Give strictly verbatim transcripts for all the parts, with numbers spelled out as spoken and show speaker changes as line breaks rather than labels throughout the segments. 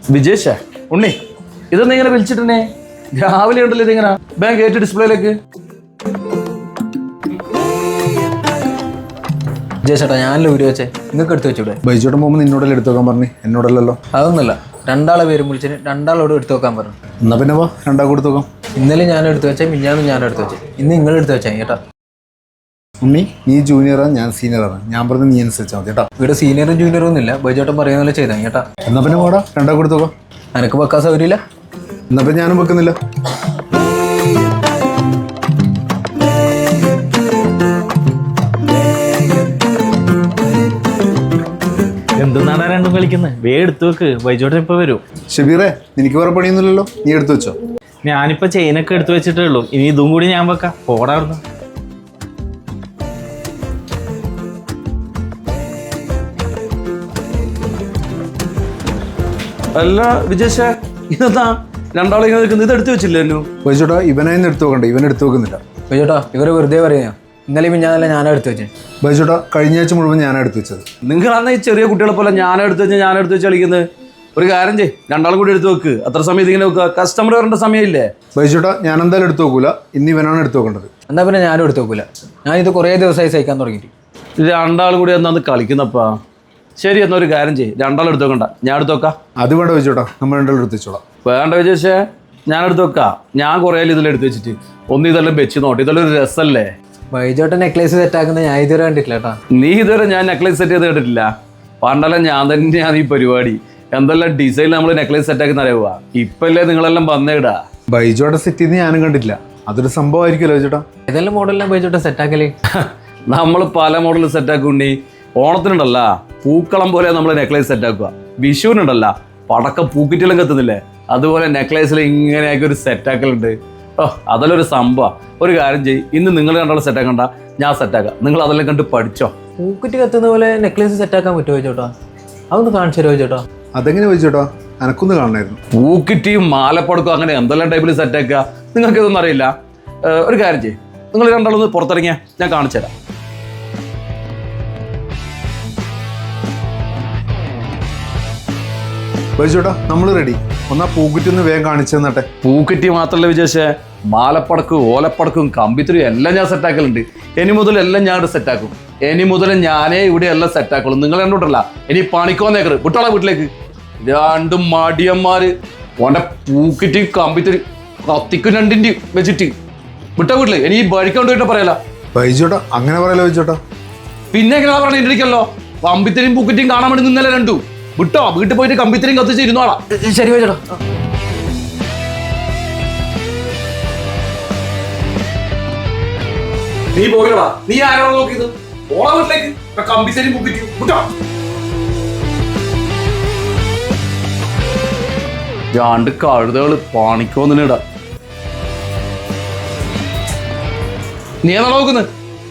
വിജേഷ ഉണ്ണി ഇതൊന്നും ഇങ്ങനെ വിളിച്ചിട്ടേ രാവിലെ ഉണ്ടല്ലോ ഇതിങ്ങനെ ബാങ്ക് ഏറ്റ ഡിസ്പ്ലേയിലേക്ക്.
വിജേഷേട്ടാ ഞാനല്ലേ ഊരി വെച്ചേ, നിങ്ങൾക്ക് എടുത്ത് വെച്ചൂടെ?
ബൈജോട്ടൻ പോകുമ്പോൾ നിന്നോടല്ലേ എടുത്തു വെക്കാൻ പറഞ്ഞു, എന്നോടല്ലോ.
അതൊന്നുമല്ല, രണ്ടാളെ പേരും വിളിച്ചിട്ട് രണ്ടാളോട് എടുത്തു വെക്കാൻ പറഞ്ഞു.
എന്നാ പിന്നെ വാ രണ്ടാ കൊടുത്തു വെക്കാം.
ഇന്നലെ ഞാൻ എടുത്തു വെച്ചാൽ മിഞ്ഞാന്നും ഞാൻ എടുത്തു വെച്ചേ, ഇന്ന് നിങ്ങൾ എടുത്തു വെച്ചാൽ ചേട്ടാ.
ഉണ്ണി നീ ജൂനിയറാണ്, ഞാൻ സീനിയറാണ്, ഞാൻ പറഞ്ഞ നീ അനുസരിച്ചാൽ മതി കേട്ടോ.
ഇവിടെ സീനിയറും ജൂനിയറും ഒന്നുമില്ല, ബൈജോട്ടൻ പറയുന്ന പോലെ ചെയ്താൽ ചേട്ടാ.
എന്നാ പിന്നെ വാടാ രണ്ടാ കൊടുത്തു വെക്കാം.
എനക്ക് വെക്കാൻ സൗകര്യമില്ല,
എന്നാ പിന്നെ ഞാനും വെക്കുന്നില്ല.
എന്തെന്നാണ് രണ്ടും കളിക്കുന്നത്? വേ എടുത്തു വെക്ക്, ബൈജോട്ടൻ ഇപ്പൊ വരും.
ഷബീറേ നിനക്ക് വേറെ പണിയൊന്നുമില്ലല്ലോ, നീ എടുത്തു വെച്ചോ.
ഞാനിപ്പോ ചെയിനൊക്കെ എടുത്തു വെച്ചിട്ടേ ഉള്ളൂ, ഇനി ഇതും കൂടി ഞാൻ വെക്കാം. പോടാ അവിടുന്ന്. അല്ല വിജേഷ, ഇതെന്താ രണ്ടാളെ ഇങ്ങനെ നിൽക്കുന്നത്? ഇത് എടുത്തു വെച്ചില്ലല്ലോ.
ബൈജോട്ടാ ഇവനായിരുന്നു എടുത്തു വെക്കണ്ടേ, ഇവൻ എടുത്തു വെക്കുന്നില്ല.
ബൈജോട്ടാ ഇവര് വെറുതെ പറയാ, ഇന്നലെ മിഞ്ഞാന്നല്ല ഞാനാ എടുത്തു വെച്ചേ.
ബൈജോട്ടാ കഴിഞ്ഞ ആഴ്ച മുഴുവൻ ഞാനാണ് എടുത്തു വെച്ചത്.
നിങ്ങൾ അന്ന് ഈ ചെറിയ കുട്ടികളെ പോലെ ഞാൻ എടുത്തു വെച്ചാൽ ഞാൻ എടുത്തു വെച്ച് കളിക്കുന്നത്. ഒരു കാര്യം ചെയ്യ്, രണ്ടാളും കൂടി എടുത്തു വെക്ക്. അത്ര സമയം ഇതിങ്ങനെ വെക്കുക, കസ്റ്റമർ വരേണ്ട സമയമില്ലേ?
ബൈജോട്ടാ ഞാൻ എന്തായാലും എടുത്തു വെക്കൂല, ഇന്ന് ഇവനാണ് എടുത്തു വെക്കേണ്ടത്.
എന്നാ പിന്നെ ഞാനും എടുത്തു വെക്കൂല, ഞാനിത് കുറേ ദിവസമായി സഹിക്കാൻ തുടങ്ങിയിട്ട്.
രണ്ടാളും കൂടി എന്നാന്ന് കളിക്കുന്നപ്പാ. ശരി എന്നാ ഒരു കാര്യം ചെയ്യ്, രണ്ടാളും എടുത്തു വെക്കണ്ട, ഞാൻ എടുത്തു വെക്കാം.
അത് വേണ്ട ബൈജോട്ടാ, നമ്മൾ രണ്ടാളും എടുത്തു വെച്ചോളാം.
വേണ്ട വിജേഷേ, ഞാൻ എടുത്തു വെക്കാം. ഞാൻ കുറേ ഇതെല്ലാം എടുത്തു വെച്ചിട്ട് ഒന്ന് ഇതെല്ലാം വെച്ച് നോട്ടി, ഇതെല്ലാം ഒരു രസമല്ലേ?
ബൈജോട്ടൻ നെക്ലേസ് സെറ്റാക്കുന്നത് ഞാൻ ഇതുവരെ കണ്ടിട്ടില്ല കേട്ടാ.
നീ ഇതുവരെ ഞാൻ നെക്ലേസ് സെറ്റ് ചെയ്ത് കേട്ടിട്ടില്ല. പണ്ടെല്ലാം ഞാൻ തന്നെയാണ് ഈ പരിപാടി. എന്തെല്ലാം ഡിസൈൻ നമ്മൾ നെക്ലേസ് സെറ്റാക്കുന്ന അറിയുക. ഇപ്പല്ലേ നിങ്ങളെല്ലാം വന്നേടാ.
ബൈജോട്ട സെറ്റ് ചെയ്ത് ഞാനും കണ്ടിട്ടില്ല, അതൊരു സംഭവമായിരിക്കുമല്ലോ ബൈജോട്ടാ.
ഏതെല്ലാം മോഡലിലാണ് ബൈജോട്ടൻ സെറ്റാക്കല്?
നമ്മൾ പല മോഡൽ സെറ്റാക്കുണ്ടി. ഓണത്തിനുണ്ടല്ല പൂക്കളം പോലെ നമ്മൾ നെക്ലേസ് സെറ്റാക്കുക. വിഷുവിനുണ്ടല്ല പടക്കം പൂക്കിറ്റെല്ലാം കത്തുന്നില്ലേ, അതുപോലെ നെക്ലേസിൽ ഇങ്ങനെയാക്കി ഒരു സെറ്റാക്കലുണ്ട്. ഓ അതെല്ലാം ഒരു സംഭവം. ഒരു കാര്യം ചെയ്യും, ഇന്ന് നിങ്ങൾ രണ്ടാളും സെറ്റാക്കണ്ട, ഞാൻ സെറ്റാക്കാം. നിങ്ങൾ അതെല്ലാം കണ്ട് പഠിച്ചോ.
പൂക്കുറ്റി കത്തുന്ന പോലെ നെക്ലേസ് സെറ്റാക്കാൻ പറ്റുമോ ബൈജോട്ടാ? അതൊന്ന് കാണിച്ചു തരുമോ ബൈജോട്ടാ?
അതെങ്ങനെ ബൈജോട്ടാ, എനക്കൊന്ന് കാണണമായിരുന്നു.
പൂക്കിറ്റിയും മാലപ്പടക്കും അങ്ങനെ എന്തെല്ലാം ടൈപ്പിൽ സെറ്റാക്കുക, നിങ്ങൾക്ക് ഇതൊന്നും അറിയില്ല. ഒരു കാര്യം ചെയ്യും, നിങ്ങൾ രണ്ടാളൊന്ന് പുറത്തിറങ്ങിയാൽ ഞാൻ കാണിച്ചു തരാം.
ബൈജോട്ടാ നമ്മൾ റെഡി. ഒന്നാ പൂക്കുറ്റി ഒന്ന് വേഗം കാണിച്ചു തന്നട്ടെ.
പൂക്കുറ്റി മാത്രമല്ല വിജേഷേ, മാലപ്പടക്കും ഓലപ്പടക്കും കമ്പിത്തിരിയും എല്ലാം ഞാൻ സെറ്റാക്കലുണ്ട്. ഇനി മുതൽ എല്ലാം ഞാൻ ഇവിടെ സെറ്റാക്കും. ഇനി മുതൽ ഞാനേ ഇവിടെ എല്ലാം സെറ്റാക്കുള്ളൂ. നിങ്ങൾ കണ്ടോട്ടല്ല ഇനി പണിക്കോന്നേക്കറ് വിട്ടോളാ വീട്ടിലേക്ക്. രണ്ടും മടിയന്മാര് ഓൻ്റെ പൂക്കുറ്റിയും കമ്പിത്തിരി കത്തിക്കും രണ്ടിൻ്റെയും വെച്ചിട്ട് വിട്ട വീട്ടില്. ഇനി ഈ വഴിക്കൊണ്ടിട്ട് പറയല
ബൈജോട്ടാ, അങ്ങനെ പറയല്ലോ ബൈജോട്ടാ.
പിന്നെ എങ്ങനെ പറഞ്ഞ ഇരിക്കല്ലോ, കമ്പിത്തിരിയും പൂക്കുറ്റിയും കാണാൻ വേണ്ടി നിന്നല്ലേ രണ്ടു. വിട്ടോ, വീട്ടിൽ പോയിട്ട് കമ്പിത്തിരിയും കത്തിച്ച് ഇരുന്നോളാം.
ശരി ബൈജോട്ടാ.
നീ പോകടാ, നീ ആരാണോ നോക്കിയത്? ഓളെ വീട്ടിലേക്ക് കമ്പിത്തിരിയും പൂക്കുറ്റിയും വിട്ടോ. രണ്ട് കഴുതകള് പണിക്കോന്നിടാ. നീ എന്നാ നോക്കുന്നത്?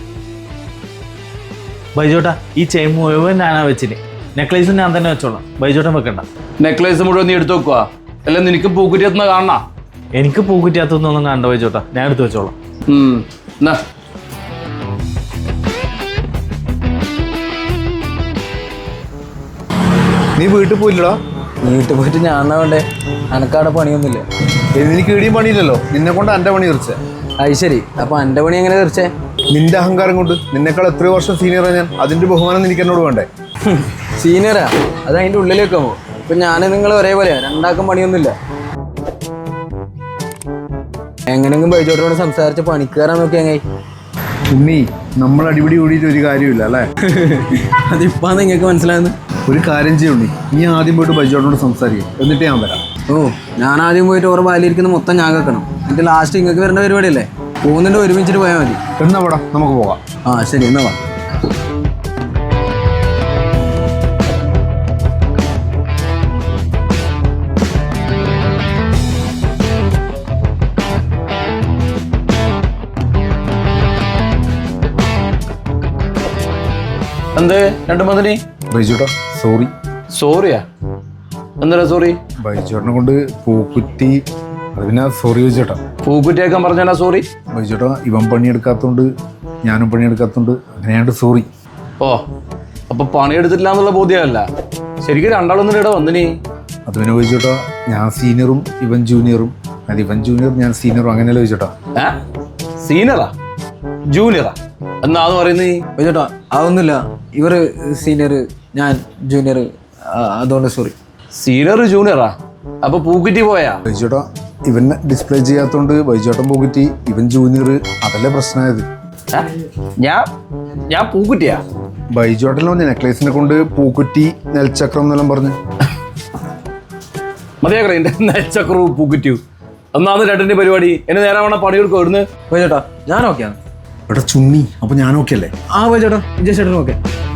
ബൈജോട്ടാ ഈ ചെയിൻ മുഴുവൻ ഞാനാ വെച്ചിന്, നെക്ലേസ് ഞാൻ തന്നെ വെച്ചോളാം, ബൈജോട്ടൻ വെക്കണ്ട.
നെക്ലേസ് മുഴുവൻ നീ എടുത്തു വെക്കുക, അല്ല നിനക്ക് പൂക്കുറ്റി എത്തുന്ന കാണണ?
എനിക്ക് പൂക്കുറ്റിയാത്തൊന്നും കണ്ട ബൈജോട്ടാ, ഞാൻ എടുത്ത് വെച്ചോളാം.
എന്നാ
നീ വീട്ടിൽ പോയില്ലടാ?
വീട്ടിൽ പോയിട്ട് ഞാൻ എന്നാ വേണ്ടേ, അനക്കവിടെ പണിയൊന്നുമില്ല.
എനിക്ക് ഇടിയും പണിയില്ലല്ലോ, നിന്നെ കൊണ്ട് എൻ്റെ പണി തീർച്ചേ.
അത് ശരി, അപ്പൊ എൻ്റെ പണി എങ്ങനെ തീർച്ചേ?
നിന്റെ അഹങ്കാരം കൊണ്ട്. നിന്നെക്കാൾ എത്രയോ വർഷം സീനിയറാണ് ഞാൻ, അതിന്റെ ബഹുമാനം നിനക്ക് എന്നോട് വേണ്ടേ?
സീനിയറാ, അത് അതിൻ്റെ ഉള്ളിലേക്ക് പോകും. ഇപ്പൊ ഞാൻ നിങ്ങൾ ഒരേപോലെയാ, രണ്ടാക്കും പണിയൊന്നുമില്ല. എങ്ങനെയെങ്കിലും ബൈജോട്ടോട് സംസാരിച്ച് പണിക്കാരാൻ നോക്കി എങ്ങനെ?
ഉണ്ണി നമ്മൾ അടിപിടി കൂടിയിട്ട് ഒരു കാര്യമില്ല അല്ലേ?
അതിപ്പാ നിങ്ങൾക്ക് മനസ്സിലായെന്ന്.
ഒരു കാര്യം ചെയ്യുണ്ണി, നീ ആദ്യം പോയിട്ട് ബൈജോട്ടോട് സംസാരിക്കും, എന്നിട്ട് ഞാൻ വരാം.
ഓ ഞാൻ ആദ്യം പോയിട്ട് ഓർ ബാലിരിക്കുന്ന മൊത്തം ഞാൻ കേൾക്കണം, എന്നിട്ട് ലാസ്റ്റ് നിങ്ങൾക്ക് വരേണ്ട പരിപാടിയല്ലേ? പോകുന്നുണ്ട് ഒരുമിച്ചിട്ട് പോയാൽ മതി.
എന്നാ വേടാ നമുക്ക് പോകാം.
ആ ശരി എന്നാ വാ.
എന്തേ രണ്ടു മതിനി?
ബൈജോട്ടാ സോറി.
സോറിയാ? എന്താ സോറി?
ബൈജോട്ടിനെ കൊണ്ട് പൂക്കുറ്റി, അത് പിന്നെ സോറി ബൈജോട്ടാ.
പൂക്കുറ്റിയേക്കാൻ പറഞ്ഞാ സോറി?
ബൈജോട്ടാ ഇവൻ പണിയെടുക്കാത്തോണ്ട് ഞാനും പണിയെടുക്കാത്തോണ്ട് അങ്ങനെയാണ്ട് സോറി.
ഓ അപ്പൊ പണിയെടുത്തിട്ടില്ല എന്നുള്ള ബോധ്യമല്ല. ശരിക്കും രണ്ടാളൊന്നും ഇവിടെ വന്നിനി.
അത് പിന്നെ ചോദിച്ചോട്ടോ ഞാൻ സീനിയറും ഇവൻ ജൂനിയറും അത് ഇവൻ ജൂനിയർ ഞാൻ സീനിയറും അങ്ങനെയല്ലേ ചോദിച്ചോട്ടോ.
ഏ സീനിയറാ ജൂനിയറാ എന്നാന്ന് പറയുന്നത് നീ?
ചേട്ടാ അതൊന്നുമില്ല, ഇവർ സീനിയർ ഞാൻ ജൂനിയർ, അതുകൊണ്ട് സോറി.
സീനിയർ ജൂനിയറാ അപ്പൊ പൂക്കുറ്റി പോയാ?
ബൈജോട്ടോ ഇവൻ ഡിസ്പ്ലേ ചെയ്യാത്തോണ്ട് ബൈജോട്ടൻ പോകിറ്റി ഇവൻ ജൂനിയർ അതല്ലേ പ്രശ്നമായത്.
ഏ? ഞാൻ ഞാൻ പൂക്കുറ്റിയാ?
ബൈജോട്ടല്ലോ നെക്ലേസിനെ കൊണ്ട് പൂക്കുറ്റി നെൽച്ചക്രം എന്നെല്ലാം പറഞ്ഞു.
മതിയാക്കറ എന്റെ നെച്ചക്രവും പൂക്കുറ്റിയും ഒന്നാമത് രണ്ടിന്റെ പരിപാടി എന്നെ നേരെ വേണം പണിയെടുക്കും ഇവിടുന്ന്.
ചേട്ടാ ഞാൻ ഓക്കെയാണ്.
എടാ ചുണ്ണി അപ്പൊ ഞാൻ ഓക്കെ അല്ലേ?
ആ ചേട്ടാ ഇഞ്ച ചേട്ടനും ഓക്കെ.